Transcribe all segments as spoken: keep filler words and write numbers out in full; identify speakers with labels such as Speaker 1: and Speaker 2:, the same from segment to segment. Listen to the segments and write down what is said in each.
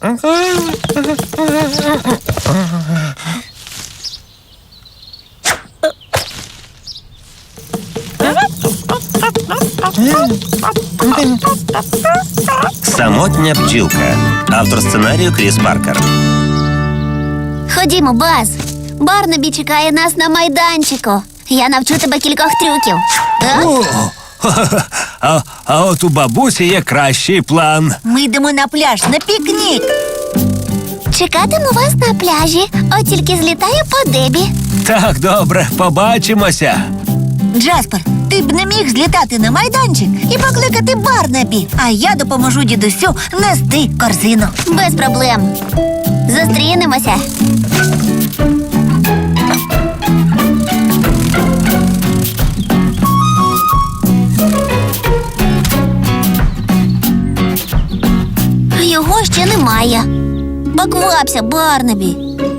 Speaker 1: Самотня бджілка. Автор сценарію Кріс Паркер.
Speaker 2: Ходімо, Баз. Барнабі чекає нас на майданчику. Я навчу тебе кількох трюків. А?
Speaker 3: О, а, а от у бабусі є кращий план.
Speaker 4: Ми йдемо на пляж на пікнік.
Speaker 2: Чекатиму вас на пляжі. От тільки злітаю по Дебі.
Speaker 3: Так, добре, побачимося.
Speaker 4: Джаспер, ти б не міг злітати на майданчик і покликати Барнабі, а я допоможу дідусю нести корзину.
Speaker 2: Без проблем. Зустрінемося. Його ще немає. Поквапся, Барнабі.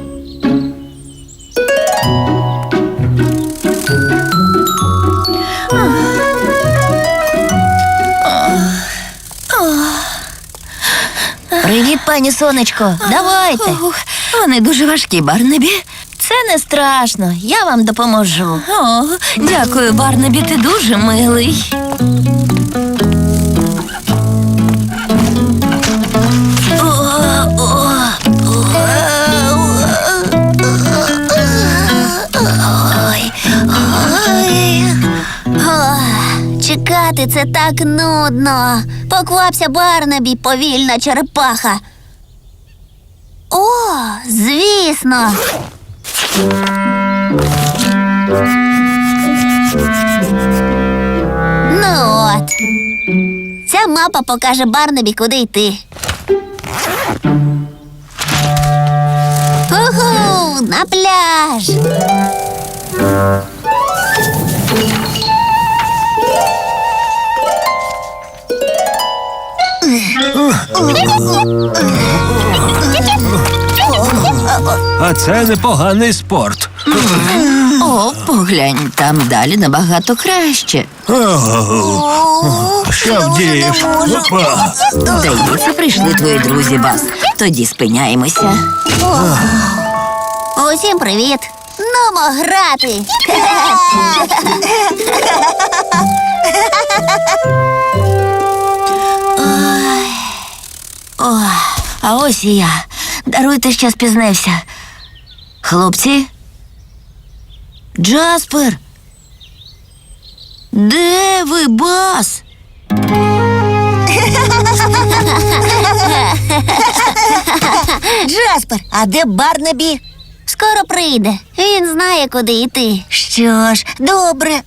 Speaker 4: Привіт, пані сонечко.
Speaker 2: Давайте.
Speaker 4: Вони дуже важкі, Барнабі.
Speaker 2: Це не страшно. Я вам допоможу.
Speaker 4: О, дякую, Барнабі, ти дуже милий.
Speaker 2: Ой, ой. О, чекати це так нудно. Поквапся, Барнабі, повільна черепаха. О, звісно. Ну от. Ця мапа покаже Барнабі, куди йти. Уху, на пляж.
Speaker 3: А це непоганий спорт.
Speaker 4: О, поглянь, там далі набагато краще.
Speaker 3: Що вдієш? Опа.
Speaker 4: Здається, прийшли твої друзі, Бас. Тоді спиняємося.
Speaker 2: Усім привіт. Нумо грати.
Speaker 4: Ой. О, а ось і я. Даруйте, що спізнився. Хлопці? Джаспер? Де ви, Бас? Джаспер, а де Барнабі?
Speaker 2: Скоро прийде. Він знає, куди йти.
Speaker 4: Що ж, добре.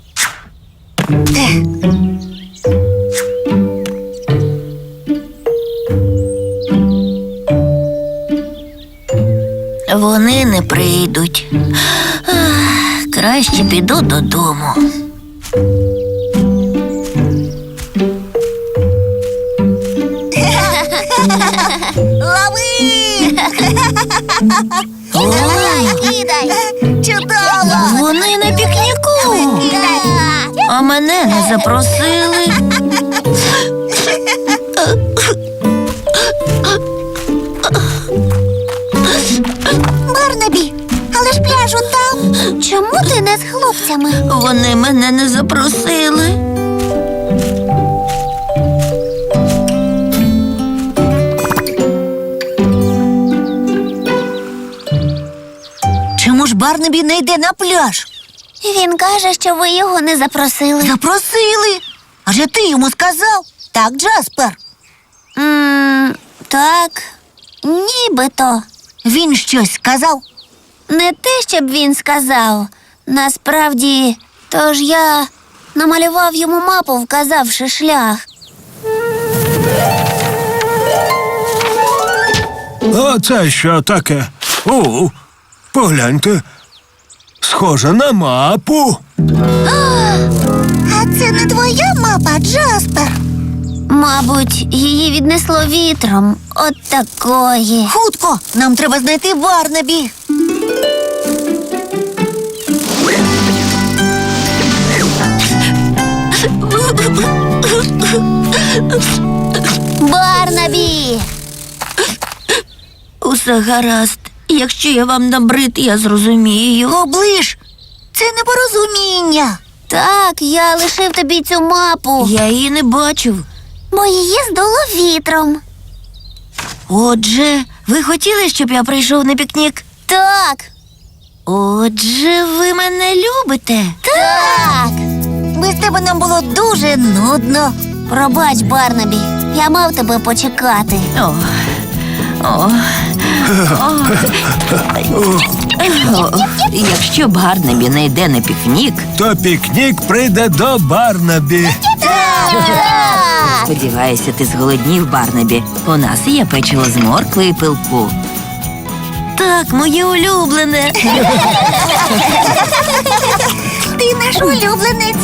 Speaker 4: Вони не прийдуть. Ах, краще піду додому.
Speaker 2: Лови! Кидай, кидай! Чудово!
Speaker 4: Вони на пікніку,
Speaker 2: Кидай!
Speaker 4: а мене не запросили.
Speaker 2: Барнабі, але ж пляж там. Чому ти не з хлопцями?
Speaker 4: Вони мене не запросили. Чому ж Барнабі не йде на пляж?
Speaker 2: Він каже, що ви його не запросили.
Speaker 4: Запросили. Адже ти йому сказав. Так, Джаспер?
Speaker 2: М, так, нібито.
Speaker 4: Він щось сказав.
Speaker 2: Не те, щоб він сказав. Насправді, тож я намалював йому мапу, вказавши шлях.
Speaker 3: А це що таке? О, погляньте. Схоже на мапу.
Speaker 2: А це не твоя мапа, Джаспер? Мабуть, її віднесло вітром. От такої.
Speaker 4: Хутко, нам треба знайти Барнабі.
Speaker 2: Барнабі!
Speaker 4: Усе гаразд. Якщо я вам набрид, я зрозумію. Оближ, це непорозуміння.
Speaker 2: Так, я лишив тобі цю мапу,
Speaker 4: Я її не бачив.
Speaker 2: бо її здуло вітром.
Speaker 4: Отже, ви хотіли, щоб я прийшов на пікнік?
Speaker 2: Так,
Speaker 4: Отже, ви мене любите.
Speaker 2: так.
Speaker 4: Без тебе нам було дуже нудно.
Speaker 2: Пробач, Барнабі, я мав тебе почекати.
Speaker 4: О, о, о. О, якщо Барнабі не йде на пікнік,
Speaker 3: То пікнік прийде до Барнабі.
Speaker 2: Так.
Speaker 4: сподіваюся, ти зголоднів, Барнабі. У нас є печиво з моркви і пилку. Так, моє улюблене.
Speaker 2: Ти наш улюбленець.